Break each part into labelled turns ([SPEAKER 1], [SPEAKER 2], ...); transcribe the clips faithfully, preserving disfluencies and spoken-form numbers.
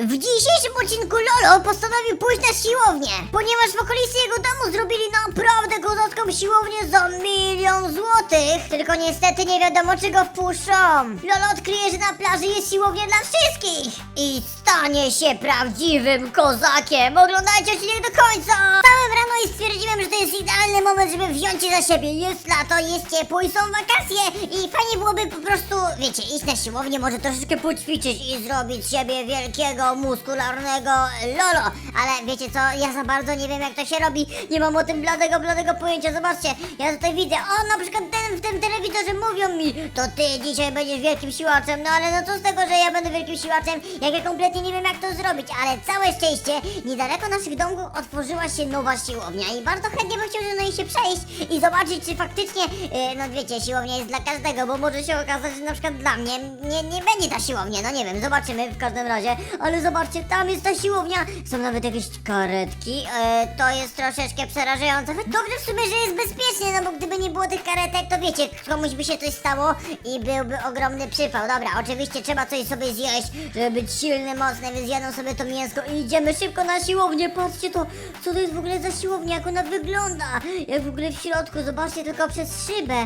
[SPEAKER 1] W dzisiejszym odcinku Lolo postanowił pójść na siłownię, ponieważ w okolicy jego domu zrobili naprawdę kozacką siłownię za milion złotych. Tylko niestety nie wiadomo, czy go wpuszczą. Lolo odkryje, że na plaży jest siłownia dla wszystkich i stanie się prawdziwym kozakiem. Oglądajcie odcinek do końca. Wstałem rano i stwierdziłem, że to jest idealny moment, żeby wziąć się za siebie. Jest lato, jest ciepło i są wakacje i fajnie byłoby po prostu, wiecie, iść na siłownię, może troszeczkę poćwiczyć i zrobić z siebie wielkiego, muskularnego Lolo. Ale wiecie co, ja za bardzo nie wiem, jak to się robi. Nie mam o tym bladego, bladego pojęcia. Zobaczcie, ja tutaj widzę, o, na przykład ten w tym telewizorze mówią mi, to ty dzisiaj będziesz wielkim siłaczem. No ale no co z tego, że ja będę wielkim siłaczem, jak ja kompletnie nie wiem, jak to zrobić. Ale całe szczęście, niedaleko naszych domków otworzyła się nowa siłownia i bardzo chętnie bym chciał na niej się przejść i zobaczyć, czy faktycznie, yy, no wiecie, siłownia jest dla każdego, bo może się okazać, że na przykład dla mnie nie, nie będzie ta siłownia, no nie wiem, zobaczymy w każdym razie. Ale zobaczcie, tam jest ta siłownia, są nawet jakieś karetki, yy, to jest troszeczkę przerażające. Dobrze w sumie, że jest bezpiecznie, no bo gdyby nie było tych karetek, to wiecie, komuś by się coś stało i byłby ogromny przypał. Dobra, oczywiście trzeba coś sobie zjeść, żeby być silny, mocny, więc jadą sobie to mięsko i idziemy szybko na siłownię. Patrzcie to, co to jest w ogóle za siłownia, jak ona wygląda, jak w ogóle w środku, zobaczcie tylko przez szybę.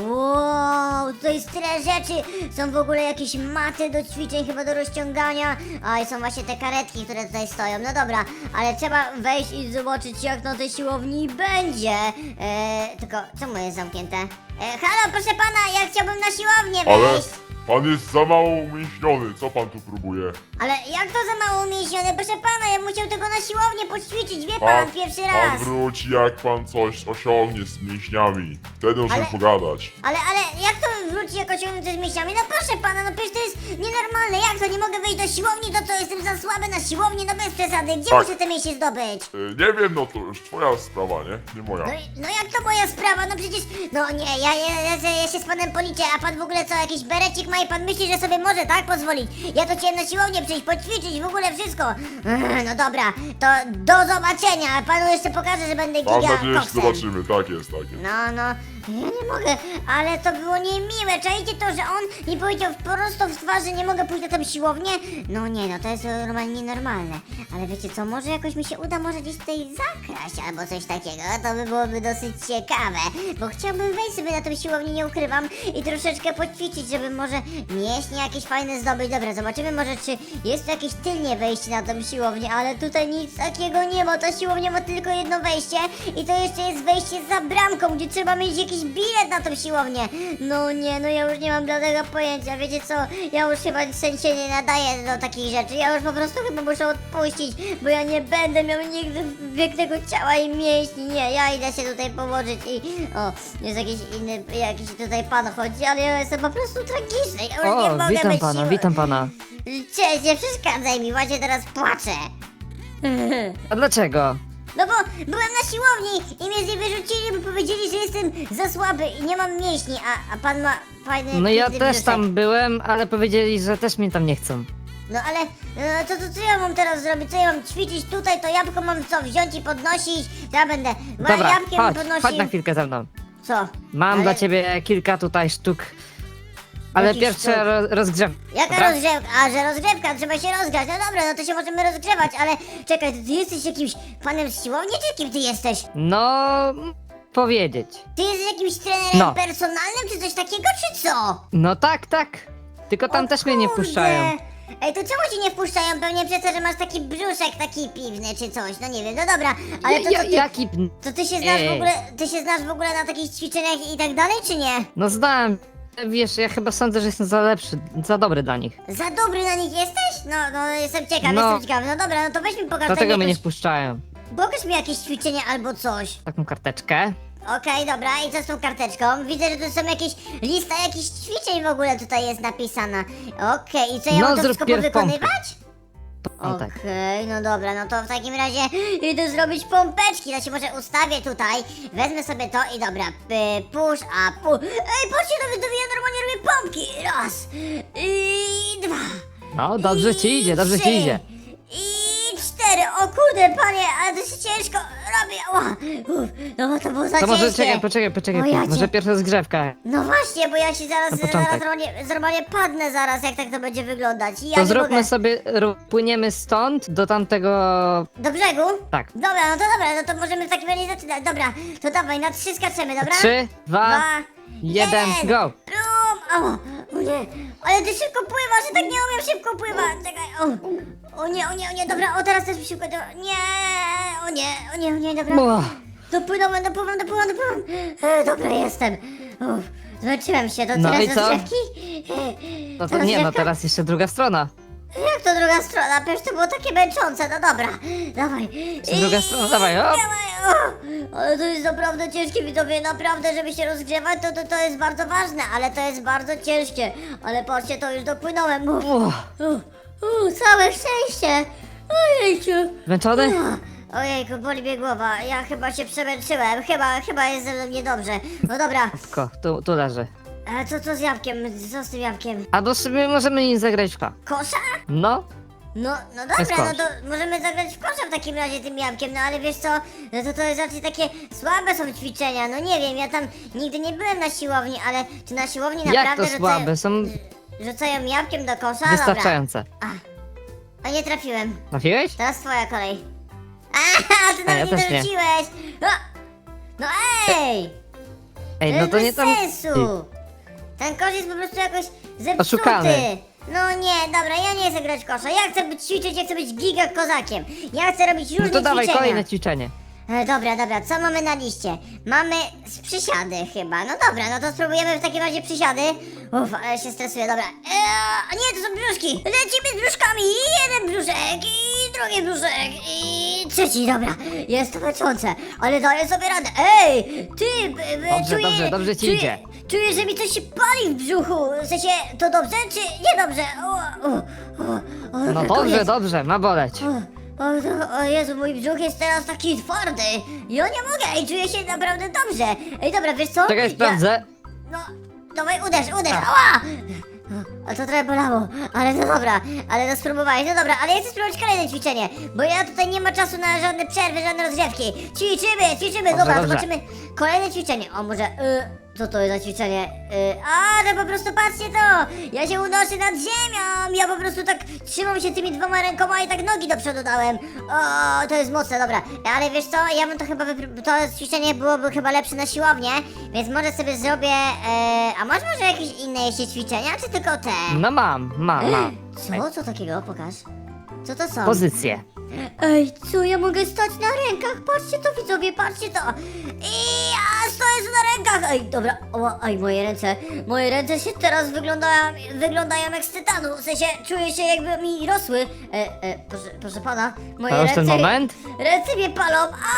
[SPEAKER 1] Wow, tutaj jest tyle rzeczy, są w ogóle jakieś maty do ćwiczeń, chyba do rozciągania, a i są właśnie te karetki, które tutaj stoją. No dobra, ale trzeba wejść i zobaczyć, jak na tej siłowni będzie. Eee, tylko czemu jest zamknięte? Eee, halo, proszę pana, ja chciałbym na siłownię
[SPEAKER 2] Ale
[SPEAKER 1] wejść.
[SPEAKER 2] pan jest za mało umięśniony, co pan tu próbuje?
[SPEAKER 1] Ale jak to za mało umięśnione? Proszę pana, ja musiał tylko na siłownię poćwiczyć, wie pan,
[SPEAKER 2] Pan,
[SPEAKER 1] pierwszy
[SPEAKER 2] pan
[SPEAKER 1] raz.
[SPEAKER 2] wróci, jak pan coś osiągnie z mięśniami. Wtedy możemy
[SPEAKER 1] Ale-
[SPEAKER 2] pogadać.
[SPEAKER 1] Ale, ale jak to wróci jak osiągnięty z mięśniami? No proszę pana, no przecież to jest nienormalne. Jak to nie mogę wejść do siłowni, to co, jestem za słaby na siłowni? No bez przesady, gdzie
[SPEAKER 2] Tak.
[SPEAKER 1] muszę te mięśnie zdobyć?
[SPEAKER 2] E, nie wiem, no to już twoja sprawa, nie? Nie moja.
[SPEAKER 1] No, i- no jak to moja sprawa? No przecież, no nie, ja, ja, ja, ja, ja się z panem policzę, a pan w ogóle co, jakiś berecik ma i pan myśli, że sobie może, tak, pozwolić? Ja to chciałem na siłownię przyjść, poćwiczyć, w ogóle wszystko. Ech, no dobra, to do zobaczenia, panu jeszcze pokażę, że będę
[SPEAKER 2] Mam
[SPEAKER 1] giga
[SPEAKER 2] nadzieję, że
[SPEAKER 1] koksem.
[SPEAKER 2] zobaczymy, tak jest, tak jest.
[SPEAKER 1] No, no, ja nie mogę, ale to było niemiłe. Czajcie to, że on mi powiedział prosto w twarz, że nie mogę pójść na tę siłownię? No nie, no to jest normalnie nienormalne. Ale wiecie co, może jakoś mi się uda może gdzieś tutaj zakraść albo coś takiego. To by byłoby dosyć ciekawe, bo chciałbym wejść sobie na tę siłownię, nie ukrywam, i troszeczkę poćwiczyć, żeby może mięśnie jakieś fajne zdobyć. Dobra, zobaczymy może, czy jest tu jakieś tylnie wejście na tą siłownię, ale tutaj nic takiego nie ma. Ta siłownia ma tylko jedno wejście i to jeszcze jest wejście za bramką, gdzie trzeba mieć jakiś bilet na tą siłownię. No nie, no ja już nie mam bladego pojęcia, wiecie co, ja już chyba się nie nadaję do takich rzeczy, ja już po prostu chyba muszę odpuścić, bo ja nie będę miał nigdy pięknego ciała i mięśni, nie, ja idę się tutaj położyć i, o, jest jakiś inny, jakiś tutaj pan chodzi, ale ja jestem po prostu tragiczny, ja już nie
[SPEAKER 3] O,
[SPEAKER 1] mogę
[SPEAKER 3] witam
[SPEAKER 1] być
[SPEAKER 3] pana,
[SPEAKER 1] siły.
[SPEAKER 3] witam pana.
[SPEAKER 1] Cześć, nie przeszkadzaj mi, właśnie teraz płaczę.
[SPEAKER 3] A dlaczego?
[SPEAKER 1] No bo byłem na siłowni i mnie z niej wyrzucili, bo powiedzieli, że jestem za słaby i nie mam mięśni, a, a pan ma fajny
[SPEAKER 3] No ja
[SPEAKER 1] piękny
[SPEAKER 3] też
[SPEAKER 1] brzuszek.
[SPEAKER 3] tam byłem, ale powiedzieli, że też mnie tam nie chcą.
[SPEAKER 1] No ale, no to, to co ja mam teraz zrobić? Co ja mam ćwiczyć tutaj? To jabłko mam co, wziąć i podnosić? Ja będę moim
[SPEAKER 3] Dobra,
[SPEAKER 1] jabłkiem
[SPEAKER 3] chodź,
[SPEAKER 1] podnosił.
[SPEAKER 3] chodź na chwilkę ze mną.
[SPEAKER 1] Co?
[SPEAKER 3] Mam
[SPEAKER 1] Ale
[SPEAKER 3] dla ciebie kilka tutaj sztuk. Ale
[SPEAKER 1] Jakich
[SPEAKER 3] pierwsze
[SPEAKER 1] sztuk?
[SPEAKER 3] ro rozgrzew.
[SPEAKER 1] Jaka
[SPEAKER 3] dobra?
[SPEAKER 1] rozgrzewka? A, że rozgrzewka, trzeba się rozgrzać. No dobra, no to się możemy rozgrzewać, ale czekaj, ty jesteś jakimś panem z siłowni, czy kim ty jesteś?
[SPEAKER 3] No, m, powiedzieć.
[SPEAKER 1] Ty jesteś jakimś trenerem
[SPEAKER 3] No.
[SPEAKER 1] personalnym, czy coś takiego, czy co?
[SPEAKER 3] No tak, tak. Tylko tam
[SPEAKER 1] O
[SPEAKER 3] też mnie nie
[SPEAKER 1] kurde.
[SPEAKER 3] wpuszczają.
[SPEAKER 1] Ej, to czemu ci nie wpuszczają? Pewnie przez to, że masz taki brzuszek taki piwny czy coś, no nie wiem, no dobra, ale to
[SPEAKER 3] Ja-
[SPEAKER 1] co ty,
[SPEAKER 3] Jaki...
[SPEAKER 1] to ty się znasz w
[SPEAKER 3] Ej.
[SPEAKER 1] ogóle, ty się znasz w ogóle na takich ćwiczeniach i tak dalej, czy nie?
[SPEAKER 3] No znam. Wiesz, ja chyba sądzę, że jestem za lepszy, za dobry dla nich.
[SPEAKER 1] Za dobry na nich jesteś? No, no jestem ciekaw,
[SPEAKER 3] No.
[SPEAKER 1] jestem ciekaw, no dobra, no to weź mi pokaż
[SPEAKER 3] Dlatego
[SPEAKER 1] tam
[SPEAKER 3] mnie nie
[SPEAKER 1] jakąś,
[SPEAKER 3] wpuszczają.
[SPEAKER 1] pokaż mi jakieś ćwiczenie albo coś.
[SPEAKER 3] Taką karteczkę.
[SPEAKER 1] Okej, dobra, i co z tą karteczką? Widzę, że tu są jakieś, lista jakichś ćwiczeń w ogóle tutaj jest napisana. Okej, i co ja
[SPEAKER 3] No,
[SPEAKER 1] mam to
[SPEAKER 3] zrób
[SPEAKER 1] wszystko
[SPEAKER 3] pierw pompkę.
[SPEAKER 1] powykonywać?
[SPEAKER 3] O tak.
[SPEAKER 1] Okej, no dobra, no to w takim razie idę zrobić pompeczki, to się może ustawię tutaj, wezmę sobie to i dobra, p- push, a push. Ej, patrzcie, nawet to ja normalnie robię pompki, raz, i dwa,
[SPEAKER 3] No, dobrze ci idzie, dobrze
[SPEAKER 1] trzy,
[SPEAKER 3] ci idzie.
[SPEAKER 1] i cztery, o kurde, panie, ale to jest ciężko, robię? Ła, uf, no to było za
[SPEAKER 3] To może
[SPEAKER 1] ciężkie.
[SPEAKER 3] czekaj, poczekaj, poczekaj.
[SPEAKER 1] O, ja cię-
[SPEAKER 3] Może pierwsza zgrzewka.
[SPEAKER 1] No właśnie, bo ja się zaraz,
[SPEAKER 3] Na
[SPEAKER 1] zaraz
[SPEAKER 3] początek.
[SPEAKER 1] normalnie, normalnie padnę zaraz, jak tak to będzie wyglądać. I ja
[SPEAKER 3] To
[SPEAKER 1] nie
[SPEAKER 3] zróbmy
[SPEAKER 1] mogę.
[SPEAKER 3] sobie, ru- płyniemy stąd do tamtego...
[SPEAKER 1] Do brzegu?
[SPEAKER 3] Tak.
[SPEAKER 1] Dobra, no to dobra, no to możemy w takim razie zaczynać. Dobra, to dawaj, na trzy skaczemy, dobra?
[SPEAKER 3] Trzy, dwa,
[SPEAKER 1] Dwa,
[SPEAKER 3] jeden, go!
[SPEAKER 1] Brum! O, o nie, ale ty szybko pływasz, ja tak nie umiem szybko pływać. Czekaj, o, o nie, o nie, o nie, dobra, o teraz też mi szybko, dobra. Nie, o nie, o nie, o nie, dobra.
[SPEAKER 3] Uff.
[SPEAKER 1] Dopłynąłem, dopływam, dopływam, dopływam. E, dobra, jestem. Uff, zmęczyłem się, to
[SPEAKER 3] No
[SPEAKER 1] tyle
[SPEAKER 3] i
[SPEAKER 1] ze
[SPEAKER 3] co?
[SPEAKER 1] drzewki?
[SPEAKER 3] No to nie, no
[SPEAKER 1] rozgrzewka?
[SPEAKER 3] teraz jeszcze druga strona.
[SPEAKER 1] Jak to druga strona? Przecież to było takie męczące, no dobra, dawaj.
[SPEAKER 3] Czy druga strona? Dawaj, hop.
[SPEAKER 1] Dawaj, o. Ale to jest naprawdę ciężkie, widzowie, naprawdę, żeby się rozgrzewać, to, to, to jest bardzo ważne, ale to jest bardzo ciężkie. Ale patrzcie, to już dopłynąłem. Uf,
[SPEAKER 3] Uff.
[SPEAKER 1] uf, uf, całe szczęście. Ojejciu.
[SPEAKER 3] Zmęczony?
[SPEAKER 1] Ach, Ojejku, boli mnie głowa, ja chyba się przemęczyłem, chyba, chyba jest ze mną niedobrze. No dobra,
[SPEAKER 3] Ko, tu, tu leży.
[SPEAKER 1] a co, co z jabłkiem, co z tym jabłkiem?
[SPEAKER 3] Albo sobie możemy nim zagrać w ko.
[SPEAKER 1] Kosza?
[SPEAKER 3] No,
[SPEAKER 1] No, no
[SPEAKER 3] jest
[SPEAKER 1] dobra, no
[SPEAKER 3] kosz.
[SPEAKER 1] to możemy zagrać w kosza w takim razie tym jabłkiem, no ale wiesz co, no to to jest raczej takie słabe są ćwiczenia, no nie wiem, ja tam nigdy nie byłem na siłowni, ale czy na siłowni
[SPEAKER 3] jak
[SPEAKER 1] naprawdę
[SPEAKER 3] to słabe? Są
[SPEAKER 1] rzucają jabłkiem do kosza?
[SPEAKER 3] wystarczające.
[SPEAKER 1] Dobra. A, a nie trafiłem,
[SPEAKER 3] Trafiłeś?
[SPEAKER 1] teraz twoja kolej. A, ty
[SPEAKER 3] A,
[SPEAKER 1] nam
[SPEAKER 3] ja
[SPEAKER 1] nie
[SPEAKER 3] też nie.
[SPEAKER 1] dorzuciłeś! No, no ej!
[SPEAKER 3] Ej,
[SPEAKER 1] to
[SPEAKER 3] no to
[SPEAKER 1] jest
[SPEAKER 3] nie
[SPEAKER 1] bez
[SPEAKER 3] tam...
[SPEAKER 1] sensu! Ten kosz jest po prostu jakoś zepsuty.
[SPEAKER 3] Oszukany.
[SPEAKER 1] No nie, dobra, ja nie chcę grać w kosza. Ja chcę być ćwiczyć, ja chcę być giga kozakiem. Ja chcę robić różne
[SPEAKER 3] No to dawaj,
[SPEAKER 1] ćwiczenia.
[SPEAKER 3] kolejne ćwiczenie.
[SPEAKER 1] E, dobra, dobra, co mamy na liście? Mamy z przysiady chyba. No dobra, no to spróbujemy w takim razie przysiady. Uff, ale się stresuję, dobra. Eee, a nie, to są brzuszki. Lecimy z brzuszkami. Jeden brzuszek i drugi brzuszek i trzeci, dobra. Jest to męczące, ale daję sobie radę. Ej, ty, b, b,
[SPEAKER 3] Dobrze,
[SPEAKER 1] czuję,
[SPEAKER 3] dobrze, dobrze ci
[SPEAKER 1] czuję,
[SPEAKER 3] idzie.
[SPEAKER 1] Czuję, że mi coś się pali w brzuchu. W sensie, to dobrze czy niedobrze? O, o, o, o,
[SPEAKER 3] No
[SPEAKER 1] dobra,
[SPEAKER 3] dobrze,
[SPEAKER 1] koniec.
[SPEAKER 3] dobrze, ma boleć.
[SPEAKER 1] O, o, o, o Jezu, mój brzuch jest teraz taki twardy. Ja nie mogę i czuję się naprawdę dobrze. Ej, dobra, wiesz co?
[SPEAKER 3] Czekaj, sprawdzę.
[SPEAKER 1] Ja, no, dawaj, uderz, uderz, ała! A to trochę bolało, ale no dobra, ale to spróbowałeś, no dobra, ale ja chcę spróbować kolejne ćwiczenie, bo ja tutaj nie ma czasu na żadne przerwy, żadne rozgrzewki. Ćwiczymy, ćwiczymy,
[SPEAKER 3] Dobrze,
[SPEAKER 1] dobra,
[SPEAKER 3] dobrze.
[SPEAKER 1] zobaczymy kolejne ćwiczenie. O, może, y, co to jest za ćwiczenie? Y, a, to po prostu patrzcie to, ja się unoszę nad ziemią, ja po prostu tak trzymam się tymi dwoma rękoma i tak nogi do przodu dałem. O, to jest mocne, dobra, ale wiesz co, ja bym to chyba, wypr- to ćwiczenie byłoby chyba lepsze na siłownię, więc może sobie zrobię, e, a masz może jakieś inne jeszcze ćwiczenia, czy tylko te?
[SPEAKER 3] No mam, mam, mam.
[SPEAKER 1] Co? Co takiego? Pokaż. Co to są?
[SPEAKER 3] Pozycję.
[SPEAKER 1] Ej, co? Ja mogę stać na rękach? Patrzcie to, widzowie, patrzcie to! I ja stoję tu na rękach! Ej, dobra, o, ej, moje ręce, moje ręce się teraz wyglądają, wyglądają jak z tytanu, w sensie czuję się jakby mi rosły. E, e, proszę, proszę pana, moje
[SPEAKER 3] To już
[SPEAKER 1] ręce...
[SPEAKER 3] ten moment?
[SPEAKER 1] Ręce mnie palą!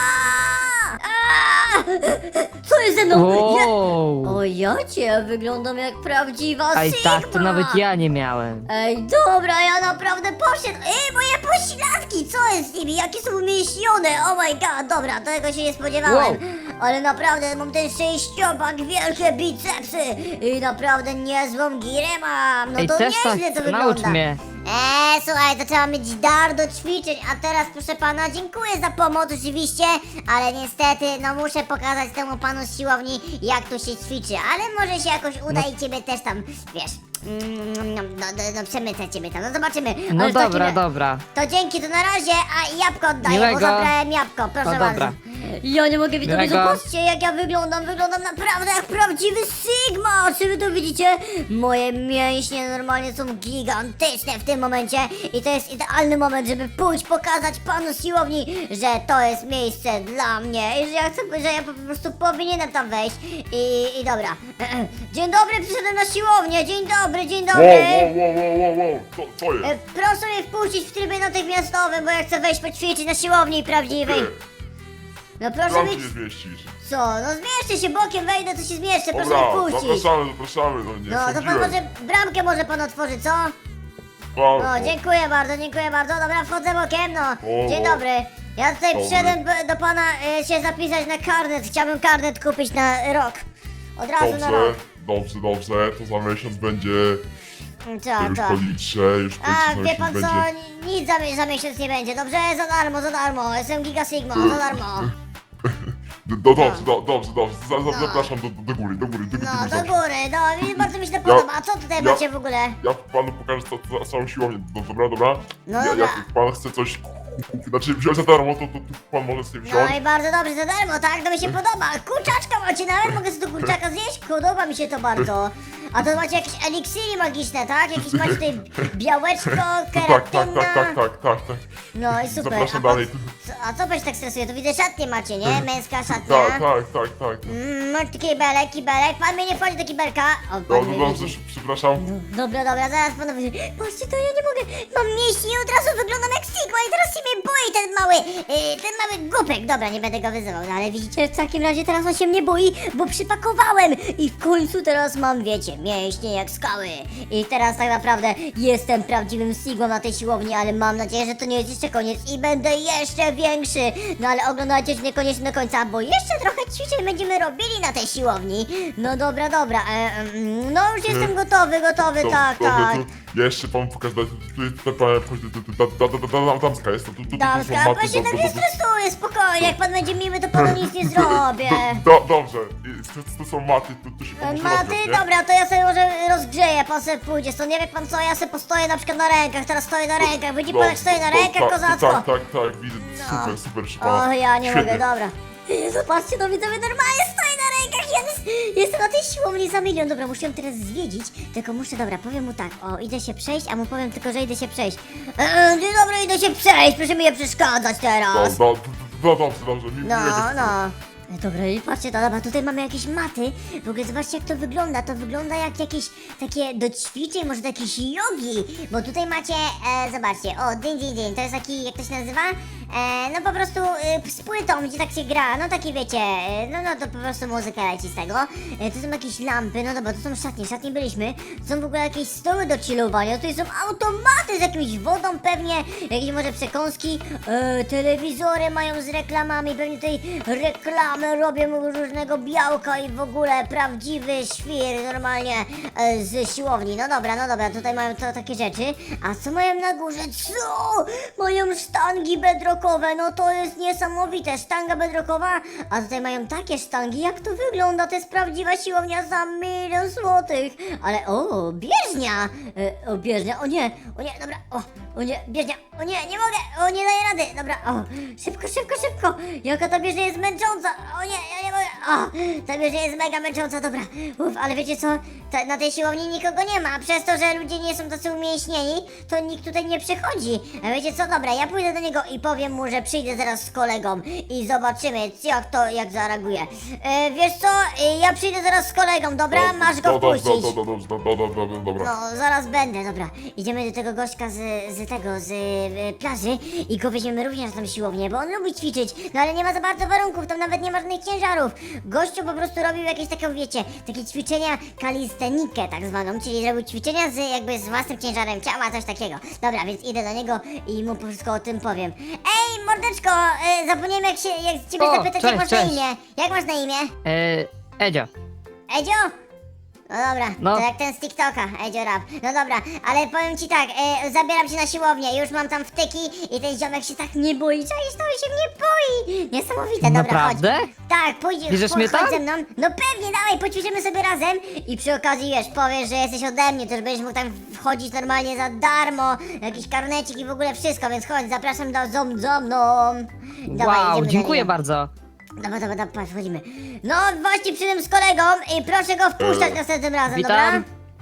[SPEAKER 1] Aaaa! Aaaa! Co jest ze mną? Ja...
[SPEAKER 3] Wow.
[SPEAKER 1] O, ja cię wyglądam jak prawdziwa
[SPEAKER 3] A i
[SPEAKER 1] Sigma!
[SPEAKER 3] tak to nawet ja nie miałem.
[SPEAKER 1] Ej, dobra, ja naprawdę poszedł. Ej, moje pośladki, co jest z nimi? Jakie są umięśnione? Oh my god, dobra, tego się nie spodziewałem.
[SPEAKER 3] Wow.
[SPEAKER 1] Ale naprawdę mam ten sześciopak, wielkie bicepsy i naprawdę niezłą girę mam. No
[SPEAKER 3] Ej,
[SPEAKER 1] to
[SPEAKER 3] też tak,
[SPEAKER 1] nieźle to
[SPEAKER 3] naucz
[SPEAKER 1] wygląda.
[SPEAKER 3] mnie.
[SPEAKER 1] Eee, słuchaj, to trzeba mieć dar do ćwiczeń, a teraz proszę pana, dziękuję za pomoc oczywiście, ale niestety, no muszę pokazać temu panu z siłowni, jak tu się ćwiczy, ale może się jakoś uda i ciebie też tam, wiesz, mm, no, no, no, no przemycę ciebie tam, no zobaczymy.
[SPEAKER 3] No
[SPEAKER 1] Ale w takim
[SPEAKER 3] dobra,
[SPEAKER 1] ra-
[SPEAKER 3] dobra.
[SPEAKER 1] To dzięki, to na razie, a jabłko oddaję,
[SPEAKER 3] Miłego.
[SPEAKER 1] bo zabrałem jabłko, proszę
[SPEAKER 3] No
[SPEAKER 1] bardzo.
[SPEAKER 3] dobra.
[SPEAKER 1] Ja nie mogę widzowie,
[SPEAKER 3] Miłego.
[SPEAKER 1] zobaczcie jak ja wyglądam, wyglądam naprawdę jak prawdziwy Sigma, czy wy to widzicie? Moje mięśnie normalnie są gigantyczne w tym momencie i to jest idealny moment, żeby pójść pokazać panu z siłowni, że to jest miejsce dla mnie i że ja chcę, że ja po prostu powinienem tam wejść i, i dobra. Dzień dobry, przyszedłem na siłownię, dzień dobry, dzień
[SPEAKER 2] Wow,
[SPEAKER 1] dobry.
[SPEAKER 2] wow, wow, wow, wow, wow. Co, co
[SPEAKER 1] E,
[SPEAKER 2] jest?
[SPEAKER 1] Proszę mnie wpuścić w trybie natychmiastowym, bo ja chcę wejść poćwiczyć na siłowni prawdziwej. No proszę
[SPEAKER 2] Tam
[SPEAKER 1] mnie...
[SPEAKER 2] się nie zmieścisz.
[SPEAKER 1] Co? No zmieszczę się bokiem, wejdę, to się zmieszczę, proszę
[SPEAKER 2] Dobra,
[SPEAKER 1] mnie wpuścić.
[SPEAKER 2] zapraszamy, zapraszamy, no nie
[SPEAKER 1] No to pan
[SPEAKER 2] sądziłem.
[SPEAKER 1] może bramkę może pan otworzy, co?
[SPEAKER 2] Wow,
[SPEAKER 1] No dziękuję bardzo, dziękuję bardzo, dobra wchodzę bokiem, no.
[SPEAKER 2] O.
[SPEAKER 1] Dzień dobry. Ja tutaj
[SPEAKER 2] Dobry.
[SPEAKER 1] przyszedłem b- do pana e, się zapisać na karnet, chciałbym karnet kupić na rok. Od razu na
[SPEAKER 2] Dobrze,
[SPEAKER 1] rok.
[SPEAKER 2] dobrze, dobrze, to za miesiąc będzie
[SPEAKER 1] Co,
[SPEAKER 2] już
[SPEAKER 1] co?
[SPEAKER 2] po litrze, już
[SPEAKER 1] Tak, A,
[SPEAKER 2] po
[SPEAKER 1] wie
[SPEAKER 2] litrze
[SPEAKER 1] pan co,
[SPEAKER 2] będzie.
[SPEAKER 1] nic za, mi- za miesiąc nie będzie, dobrze? Za darmo, za darmo, jestem Giga Sigma, za darmo.
[SPEAKER 2] Do, do, dobrze, do, dobrze, dobrze. Za, za,
[SPEAKER 1] No.
[SPEAKER 2] Zapraszam do, do, do góry, do góry, do, do,
[SPEAKER 1] No,
[SPEAKER 2] góry.
[SPEAKER 1] do
[SPEAKER 2] dobrze.
[SPEAKER 1] góry, no i bardzo mi się to podoba. A co tutaj
[SPEAKER 2] ja-
[SPEAKER 1] macie w ogóle?
[SPEAKER 2] Ja panu pokażę co, co, całą siłownię. Do, dobra, dobra?
[SPEAKER 1] No
[SPEAKER 2] ja,
[SPEAKER 1] dobra.
[SPEAKER 2] Jak pan chce coś kupić, znaczy wziąć za darmo, to, to, to pan może sobie wziąć.
[SPEAKER 1] No i bardzo dobrze, za darmo, tak? To mi się podoba. Kurczaczka macie nawet? Mogę sobie tu kurczaka zjeść? Podoba mi się to bardzo. A to macie jakieś eliksiry magiczne, tak? Jakieś macie tutaj białeczko,
[SPEAKER 2] tak, tak,
[SPEAKER 1] keratyna.
[SPEAKER 2] tak, tak, tak, tak, tak.
[SPEAKER 1] No i super.
[SPEAKER 2] Zapraszam
[SPEAKER 1] a, po-
[SPEAKER 2] dalej.
[SPEAKER 1] co- a co pan się tak stresuje? To widzę szatnie macie, nie? Męska szatnia.
[SPEAKER 2] Tak, tak, tak, tak.
[SPEAKER 1] Mm, masz tu kibelek, kibelek. Pan mnie nie wchodzi do kibelka. O, pan
[SPEAKER 2] No,
[SPEAKER 1] mnie
[SPEAKER 2] no dobrze,
[SPEAKER 1] widzi.
[SPEAKER 2] przepraszam.
[SPEAKER 1] Dobra, dobra, zaraz panowie. Patrzcie, to ja nie mogę. Mam mięśnie i od razu wyglądam jak Sigma i teraz się mnie boi ten mały, yy, ten mały głupek. Dobra, nie będę go wyzywał, no ale widzicie, w takim razie teraz on się mnie boi, bo przypakowałem i w końcu teraz mam, wiecie, mięśnie jak skały. I teraz tak naprawdę jestem prawdziwym Sigmą na tej siłowni, ale mam nadzieję, że to nie jest jeszcze koniec i będę jeszcze większy. No ale oglądajcie mnie koniecznie do końca, bo jeszcze trochę ćwiczeń będziemy robili na tej siłowni. No dobra, dobra, e, mm, no już jestem gotowy, gotowy,
[SPEAKER 2] To-
[SPEAKER 1] tak,
[SPEAKER 2] to-
[SPEAKER 1] tak.
[SPEAKER 2] to- Ja jeszcze panu pokażę, tutaj, tutaj, tutaj, damska jest, to tu, tu, tu,
[SPEAKER 1] Damska,
[SPEAKER 2] są
[SPEAKER 1] pan
[SPEAKER 2] maty,
[SPEAKER 1] się
[SPEAKER 2] do-
[SPEAKER 1] tak
[SPEAKER 2] do-
[SPEAKER 1] nie
[SPEAKER 2] do-
[SPEAKER 1] stresuje, spokojnie, jak pan będzie miły, to panu nic nie zrobię.
[SPEAKER 2] Do, do, dobrze, I tu, tu są maty, tu, tu się pan może
[SPEAKER 1] Maty,
[SPEAKER 2] rozgrzać, nie?
[SPEAKER 1] dobra, to ja sobie może rozgrzeję, pan sobie pójdzie stąd, nie wie pan co, ja sobie postoję na przykład na rękach, teraz stoję na rękach, widzi pan jak stoję na
[SPEAKER 2] No,
[SPEAKER 1] rękach,
[SPEAKER 2] tak,
[SPEAKER 1] kozacko?
[SPEAKER 2] Tak, tak, tak, widzę, super, super, proszę pana.
[SPEAKER 1] O, ja nie
[SPEAKER 2] Świetnie.
[SPEAKER 1] mogę, dobra. Zobaczcie, to widzowie, normalnie stoję na rękach, ja jest, jestem na tej siłowni za milion. Dobra, muszę ją teraz zwiedzić, tylko muszę, dobra, powiem mu tak, o, idę się przejść, a mu powiem tylko, że idę się przejść. Eee, dzień dobry, idę się przejść, proszę mi nie przeszkadzać
[SPEAKER 2] No,
[SPEAKER 1] teraz.
[SPEAKER 2] no, no, dobrze, dobrze, mi,
[SPEAKER 1] No,
[SPEAKER 2] miłego-
[SPEAKER 1] no. Dobra, i patrzcie, to, dobra, tutaj mamy jakieś maty. W ogóle zobaczcie jak to wygląda. To wygląda jak jakieś takie do ćwiczeń, może do jakiejś jogi. Bo tutaj macie, e, zobaczcie, o, dzień, dzień, dzień. To jest taki, jak to się nazywa? E, no po prostu e, z płytą, gdzie tak się gra. No takie wiecie, e, no, no to po prostu muzyka leci z tego. E, tu są jakieś lampy, no dobra, to są szatnie, szatnie byliśmy. To są w ogóle jakieś stoły do chillowania. Tutaj są automaty z jakimś wodą pewnie, jakieś może przekąski. E, telewizory mają z reklamami, pewnie tutaj reklamy robią różnego białka i w ogóle prawdziwy świr normalnie e, z siłowni. No dobra, no dobra, tutaj mają to takie rzeczy. A co mają na górze? Co? Mają sztangi bedrockowe, no to jest niesamowite. Sztanga bedrockowa, a tutaj mają takie sztangi. Jak to wygląda? To jest prawdziwa siłownia za milion złotych. Ale o, bieżnia! E, o, bieżnia, o nie, o nie, dobra, o, o nie, bieżnia, o nie, nie mogę, o nie daję rady, dobra, o, szybko, szybko, szybko. Jaka ta bieżnia jest męcząca, o nie, ja nie mogę, o, ta bieżnia jest mega męcząca, dobra. Uf, ale wiecie co, ta, na tej siłowni nikogo nie ma, przez to, że ludzie nie są tacy umięśnieni, to nikt tutaj nie przychodzi. A wiecie co, dobra, ja pójdę do niego i powiem mu, że przyjdę zaraz z kolegą i zobaczymy, jak to, jak zareaguje. E, wiesz co, e, ja przyjdę zaraz z kolegą, dobra,
[SPEAKER 2] No,
[SPEAKER 1] masz go
[SPEAKER 2] no, dobrze,
[SPEAKER 1] wpuścić.
[SPEAKER 2] no, no, dobrze, no, no, no, no, dobra.
[SPEAKER 1] No, zaraz będę, dobra. Idziemy do tego gościa z, z tego, z e, plaży i go weźmiemy również na tą siłownię, bo on lubi ćwiczyć, no ale nie ma za bardzo warunków, tam nawet nie ma żadnych ciężarów. Gościu po prostu robił jakieś takie, wiecie, takie ćwiczenia kalistenikę tak zwaną, czyli robił ćwiczenia z jakby z własnym ciężarem ciała, coś takiego. Dobra, więc idę do niego i mu wszystko o tym powiem. Ej, mordeczko, e, zapomniałem jak się, jak ciebie
[SPEAKER 3] O,
[SPEAKER 1] zapytać,
[SPEAKER 3] cześć,
[SPEAKER 1] jak masz na
[SPEAKER 3] cześć.
[SPEAKER 1] imię? Jak masz na imię?
[SPEAKER 3] E, Edzio.
[SPEAKER 1] Edzio? No dobra,
[SPEAKER 3] No.
[SPEAKER 1] to jak ten z TikToka, Edzio Rap. No dobra, ale powiem ci tak, e, zabieram cię na siłownię, już mam tam wtyki i ten ziomek się tak nie boi, czaisz, to on się mnie boi! Niesamowite, dobra,
[SPEAKER 3] Naprawdę?
[SPEAKER 1] chodź. Tak, pójdziesz,
[SPEAKER 3] Bierzesz
[SPEAKER 1] chodź
[SPEAKER 3] mnie tam?
[SPEAKER 1] ze mną. No pewnie, dawaj, poćwiczymy sobie razem i przy okazji, wiesz, powiesz, że jesteś ode mnie, to już będziesz mógł tam wchodzić normalnie za darmo, jakiś karnecik i w ogóle wszystko, więc chodź, zapraszam do zom, za mną. Dawaj,
[SPEAKER 3] Wow,
[SPEAKER 1] idziemy do
[SPEAKER 3] dziękuję
[SPEAKER 1] niego.
[SPEAKER 3] bardzo.
[SPEAKER 1] Dobra, dobra, dobra, patrz, wchodzimy. No, właśnie przyszedłem z kolegą i proszę go wpuszczać
[SPEAKER 2] E,
[SPEAKER 1] następnym razem,
[SPEAKER 3] Witam.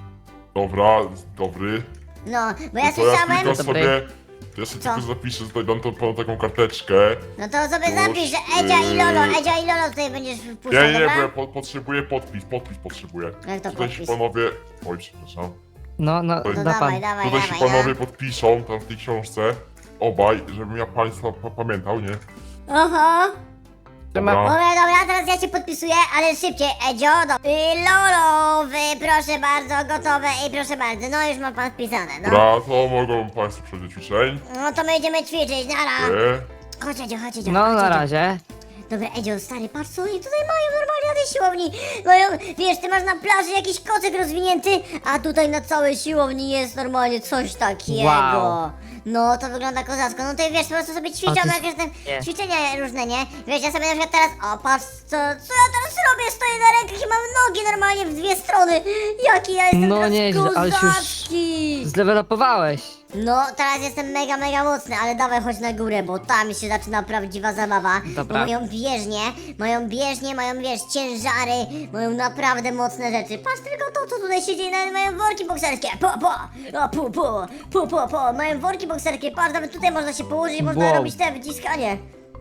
[SPEAKER 1] dobra?
[SPEAKER 2] Dobra, dobry.
[SPEAKER 1] No, bo ja
[SPEAKER 2] No to ja
[SPEAKER 1] słyszałem...
[SPEAKER 2] tylko
[SPEAKER 3] Dobry.
[SPEAKER 2] sobie, to ja sobie
[SPEAKER 1] Co?
[SPEAKER 2] tylko zapiszę, tutaj dam tą, panu taką karteczkę.
[SPEAKER 1] No to sobie
[SPEAKER 2] Już,
[SPEAKER 1] zapisz, że Edzia i Lolo,
[SPEAKER 2] yy.
[SPEAKER 1] Edzia i Lolo tutaj będziesz
[SPEAKER 2] Nie,
[SPEAKER 1] wpuszczał,
[SPEAKER 2] nie, nie, bo ja
[SPEAKER 1] dobra?
[SPEAKER 2] po, potrzebuję podpis, podpis potrzebuję.
[SPEAKER 1] Jak to
[SPEAKER 2] Tutaj się
[SPEAKER 1] podpis?
[SPEAKER 2] panowie, oj przepraszam,
[SPEAKER 3] No, no,
[SPEAKER 2] To
[SPEAKER 1] No
[SPEAKER 3] da
[SPEAKER 1] dawaj,
[SPEAKER 3] pan.
[SPEAKER 1] dawaj,
[SPEAKER 2] tutaj się
[SPEAKER 1] dawaj,
[SPEAKER 2] panowie
[SPEAKER 1] no.
[SPEAKER 2] podpiszą tam w tej książce, obaj, żebym ja państwa pa pamiętał, nie?
[SPEAKER 1] Oho.
[SPEAKER 2] Dobra.
[SPEAKER 1] Dobra, dobra, teraz ja cię podpisuję, ale szybciej, Edzio, do... I Lolo, wy, proszę bardzo, gotowe i proszę bardzo, no już ma pan wpisane, no.
[SPEAKER 2] Dobra, to mogą państwo przejść do ćwiczeń.
[SPEAKER 1] No to my idziemy ćwiczyć, nara.
[SPEAKER 2] Nie?
[SPEAKER 1] Chodź Edzio, chodź Edzio,
[SPEAKER 3] No,
[SPEAKER 1] chodź,
[SPEAKER 3] na
[SPEAKER 1] Edzio.
[SPEAKER 3] razie.
[SPEAKER 1] Dobra, Edzio, stary, patrz co oni tutaj mają normalnie na tej siłowni mają, wiesz, ty masz na plaży jakiś kocyk rozwinięty, a tutaj na całej siłowni jest normalnie coś takiego.
[SPEAKER 3] Wow.
[SPEAKER 1] No, to wygląda kozacko. No to wiesz, po prostu sobie ćwiczą
[SPEAKER 3] O, ty-
[SPEAKER 1] jakieś tam
[SPEAKER 3] nie.
[SPEAKER 1] ćwiczenia różne, nie? Wiesz, ja sobie na przykład teraz, o patrz, co, co ja teraz robię? Stoję na rękach i mam nogi normalnie w dwie strony. Jaki ja jestem
[SPEAKER 3] No
[SPEAKER 1] teraz
[SPEAKER 3] nieźle, ale się już
[SPEAKER 1] kozacki.
[SPEAKER 3] zdevelopowałeś.
[SPEAKER 1] No, teraz jestem mega, mega mocny, ale dawaj chodź na górę, bo tam się zaczyna prawdziwa zabawa.
[SPEAKER 3] Dobra.
[SPEAKER 1] Bo mają bieżnie, mają bieżnie, mają, wiesz, ciężary, mają naprawdę mocne rzeczy. Patrz tylko to, co tutaj się dzieje, nawet mają worki bokserskie. Po, po, o, pu, pu, pu, po, po, mają worki bokserskie, patrz, nawet tutaj można się położyć, można
[SPEAKER 3] Wow.
[SPEAKER 1] robić te wyciskanie.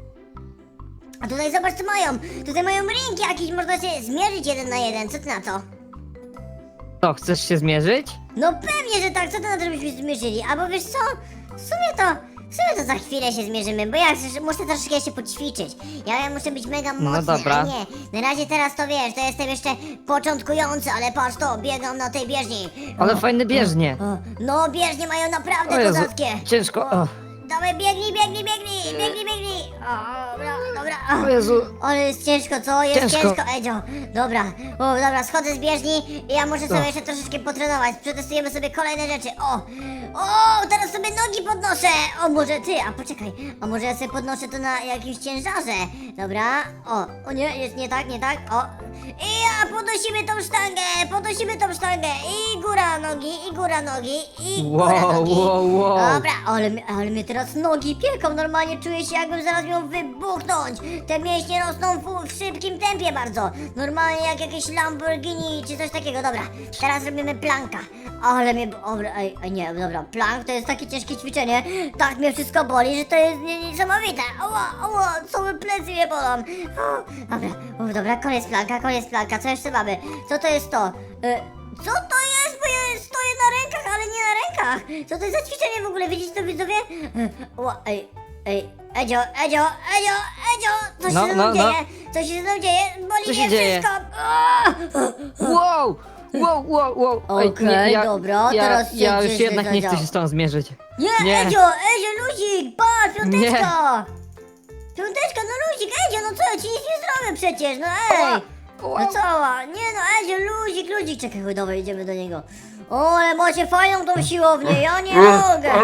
[SPEAKER 1] A tutaj zobacz, co mają. Tutaj mają ring jakiś, można się zmierzyć jeden na jeden, co ty na to?
[SPEAKER 3] To, chcesz się zmierzyć?
[SPEAKER 1] No pewnie, że tak, co ty na to, żebyśmy się zmierzyli? Albo wiesz co, w sumie to, w sumie to za chwilę się zmierzymy, bo ja chcę, muszę troszeczkę się poćwiczyć. Ja, ja muszę być mega
[SPEAKER 3] No
[SPEAKER 1] mocny,
[SPEAKER 3] dobra.
[SPEAKER 1] a nie, na razie teraz to wiesz, to jestem jeszcze początkujący, ale patrz to, biegam na tej bieżni.
[SPEAKER 3] Ale
[SPEAKER 1] O,
[SPEAKER 3] fajne bieżnie.
[SPEAKER 1] o, no bieżnie mają
[SPEAKER 3] O
[SPEAKER 1] naprawdę
[SPEAKER 3] Jezu,
[SPEAKER 1] kozackie.
[SPEAKER 3] ciężko. O,
[SPEAKER 1] Dawaj, biegnij, biegnij, biegnij, biegnij, biegnij. O, dobra, dobra.
[SPEAKER 3] o Jezu.
[SPEAKER 1] Ale jest ciężko, co? Jest ciężko,
[SPEAKER 3] Ciężko.
[SPEAKER 1] Edzio. Dobra, o, dobra, schodzę z bieżni i ja muszę sobie
[SPEAKER 3] O.
[SPEAKER 1] jeszcze troszeczkę potrenować. Przetestujemy sobie kolejne rzeczy. O, o, teraz sobie nogi podnoszę. O, może ty, a poczekaj, a może ja sobie podnoszę to na jakimś ciężarze. Dobra, o, o nie, jest nie tak, nie tak, o. I ja podnosimy tą sztangę, podnosimy tą sztangę i góra nogi, i góra nogi, i góra
[SPEAKER 3] Wow,
[SPEAKER 1] nogi.
[SPEAKER 3] wow, wow.
[SPEAKER 1] Dobra, ale, mi- ale mnie teraz nogi pieką, normalnie czuję się jakbym zaraz miał wybuchnąć. Te mięśnie rosną w, w szybkim tempie bardzo. Normalnie jak jakieś Lamborghini czy coś takiego. Dobra, teraz robimy planka. Ale mnie, dobra, ej, ej, nie, dobra, plank to jest takie ciężkie ćwiczenie. Tak mnie wszystko boli, że to jest nie, niesamowite. Ała, ała, całe plecy mnie bolą. O, dobra, o, dobra, koniec planka, koniec planka, co jeszcze mamy? Co to jest to? E, co to jest? Bo ja stoję na rękach, ale nie na rękach. Co to jest za ćwiczenie w ogóle? Widzicie to widzowie? E, Ła, ej, ej, Edzio, Edzio, Edzio, Edzio! Co się
[SPEAKER 3] No,
[SPEAKER 1] ze mną
[SPEAKER 3] no, no.
[SPEAKER 1] dzieje? Co się ze mną dzieje? Boli
[SPEAKER 3] Co
[SPEAKER 1] mnie
[SPEAKER 3] się dzieje?
[SPEAKER 1] wszystko! Aaa!
[SPEAKER 3] Wow! Wow, wow, wow. Ej,
[SPEAKER 1] Okej,
[SPEAKER 3] nie, ja,
[SPEAKER 1] dobra,
[SPEAKER 3] ja,
[SPEAKER 1] teraz się
[SPEAKER 3] ja już
[SPEAKER 1] gdzieś
[SPEAKER 3] jednak nie chcę
[SPEAKER 1] zadziało.
[SPEAKER 3] się z tą zmierzyć.
[SPEAKER 1] Nie,
[SPEAKER 3] Nie.
[SPEAKER 1] Edzio, Edzio, luzik, patrz, piąteczka! Piąteczka, no luzik, Edzio, no co, ja ci nic nie zrobię przecież, no ej! No cała, nie no, Edzio, luzik, luzik, czekaj, chodź, dawaj, idziemy do niego. O, ale macie fajną tą siłownię, ja nie mogę!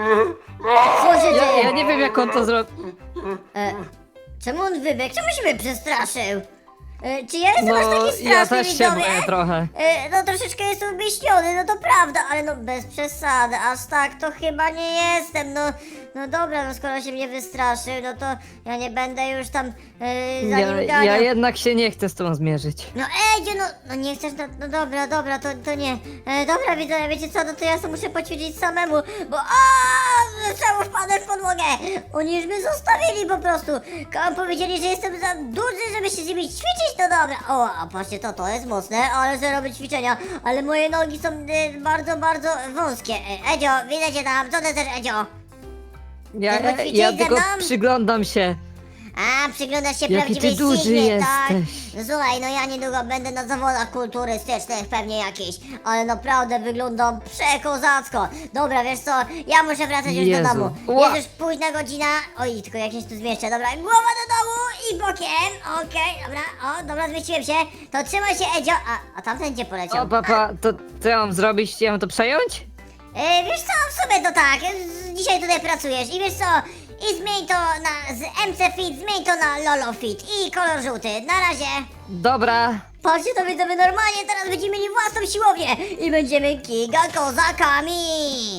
[SPEAKER 1] Co się
[SPEAKER 3] Ja,
[SPEAKER 1] dzieje?
[SPEAKER 3] ja nie wiem jak on to zrobi.
[SPEAKER 1] E, czemu on wybiegł? Czemu się mnie przestraszył? E, czy ja jestem aż
[SPEAKER 3] No,
[SPEAKER 1] taki straszny,
[SPEAKER 3] ja też się
[SPEAKER 1] widzowie?
[SPEAKER 3] boję trochę.
[SPEAKER 1] E, no troszeczkę jestem obieśniony, no to prawda, ale no bez przesady, aż tak to chyba nie jestem, no, no dobra, no skoro się mnie wystraszył, no to ja nie będę już tam e, za
[SPEAKER 3] Ja,
[SPEAKER 1] nim ganiał.
[SPEAKER 3] ja jednak się nie chcę z tą zmierzyć.
[SPEAKER 1] No Edziu, no, no nie chcesz, no, no dobra, dobra, to, to nie. E, dobra, widzowie, wiecie co, no to ja sobie muszę poćwiczyć samemu, bo aaa, czemu wpadłem w podłogę? Oni już mnie zostawili po prostu. Kam powiedzieli, że jestem za duży, żeby się z nimi ćwiczyć, no dobra. O, a patrzcie, to, to jest mocne, ale że robię ćwiczenia, ale moje nogi są e, bardzo, bardzo wąskie. E, Edzio, widzę cię tam, co ty chcesz, Edzio?
[SPEAKER 3] Ja,
[SPEAKER 1] Chcesz
[SPEAKER 3] ja,
[SPEAKER 1] poćwiczyć
[SPEAKER 3] ja
[SPEAKER 1] ze
[SPEAKER 3] tylko
[SPEAKER 1] mną?
[SPEAKER 3] przyglądam się.
[SPEAKER 1] A, przyglądasz się
[SPEAKER 3] Jaki
[SPEAKER 1] prawdziwej
[SPEAKER 3] ty duży
[SPEAKER 1] Sigmie, tak?
[SPEAKER 3] jesteś.
[SPEAKER 1] No słuchaj, no ja niedługo będę na zawodach kulturystycznych pewnie jakieś, ale naprawdę wyglądam przekozacko. Dobra, wiesz co, ja muszę wracać już
[SPEAKER 3] Jezu.
[SPEAKER 1] do domu.
[SPEAKER 3] Ła.
[SPEAKER 1] Jest już późna godzina. Oj, tylko jak się tu zmieszczę, dobra, głowa do domu i bokiem. Okej, dobra, o, dobra, zmieściłem się. To trzymaj się, Edzio. A, a tamten gdzie poleciał?
[SPEAKER 3] O papa, to co ja mam zrobić? Ja mam to przejąć?
[SPEAKER 1] E, wiesz co, w sumie to tak, z- dzisiaj tutaj pracujesz i wiesz co, i zmień to na, z M C Fit, zmień to na Lolo Fit i kolor żółty, na razie.
[SPEAKER 3] Dobra.
[SPEAKER 1] Patrzcie, to widzowie, normalnie teraz będziemy mieli własną siłownię i będziemy giga kozakami.